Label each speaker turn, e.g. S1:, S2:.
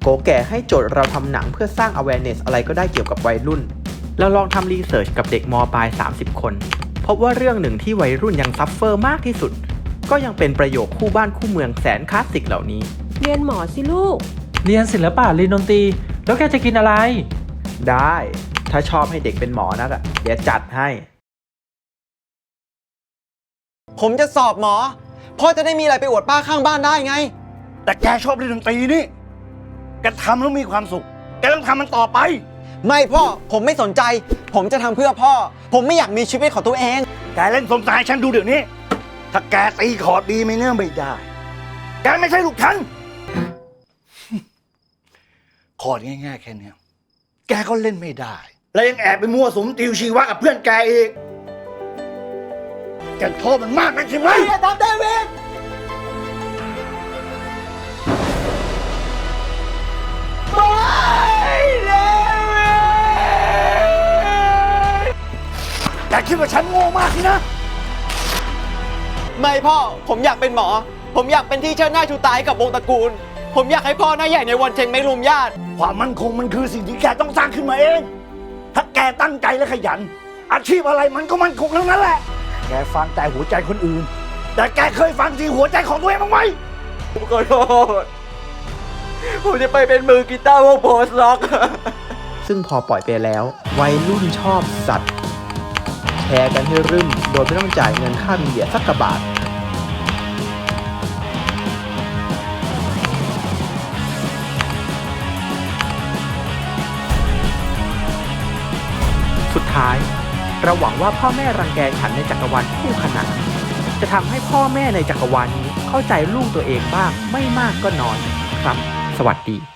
S1: โกแก่ให้โจทย์เราทำหนังเพื่อสร้าง awareness อะไรก็ได้เกี่ยวกับวัยรุ่นเราลองทำรีเสิร์ชกับเด็กม.ปลาย30 คนพบว่าเรื่องหนึ่งที่วัยรุ่นยังซัฟเฟอร์มากที่สุดก็ยังเป็นประโยคคู่บ้านคู่เมืองแสนคลาสสิกเหล่านี้
S2: เรียนหมอสิลูก
S3: เรียนศิลปะเรียนดนตรีแล้วแกจะกินอะไร
S1: ได้ถ้าชอบให้เด็กเป็นหมอนักเดี๋ยวจัดให้
S4: ผมจะสอบหมอพ่อจะได้มีอะไรไปอวดป้าข้างบ้านได้ไง
S5: แต่แกชอบเล่นดนตรีนี่แกทำแล้วมีความสุขแกต้องทำมันต่อไป
S4: ไม่พ่อผมไม่สนใจผมจะทำเพื่อพ่อผมไม่อยากมีชีวิตของตัวเอง
S5: แกเล่นสมสายฉันดูเดี๋ยวนี้ถ้าแกตีคอร์ดดีไม่ได้แกไม่ใช่ลูกฉันคอร์ดง่ายๆแค่นี้แกก็เล่นไม่ได้แล้วยังแอบไปมั่วสุมติวชีวะกับเพื่อนแกอีกแกโทษมันมากนักใช่ไหม
S4: อย่าทำเดวิด
S5: แกคิดว่าฉันโง่มากสินะ
S4: ไม่พ่อผมอยากเป็นหมอผมอยากเป็นที่เชิดหน้าชูตาให้กับวงตระกูลผมอยากให้พ่อหน้าใหญ่ในวันเชงไม่รุมญาติ
S5: ความมั่นคงมันคือสิ่งที่แกต้องสร้างขึ้นมาเองถ้าแกตั้งใจและขยันอาชีพอะไรมันก็มั่นคงทั้งนั้นแหละแกฟังแต่หัวใจคนอื่นแต่แกเคยฟังที่หัวใจของตัวเองบ้างไหม
S4: ผมขอโทษผมจะไปเป็นมือกีตาร์วงโพสต์ร็อก
S1: ซึ่งพอปล่อยไปแล้ววัยรุ่นชอบสัตว์แชร์กันให้รึมโดยไม่ต้องจ่ายเงินค่ามีเดียสักกระบาทสุดท้ายเราหวังว่าพ่อแม่รังแกฉันในจักรวาลคู่ขนานจะทำให้พ่อแม่ในจักรวาลนี้เข้าใจลูกตัวเองบ้างไม่มากก็น้อยครับสวัสดี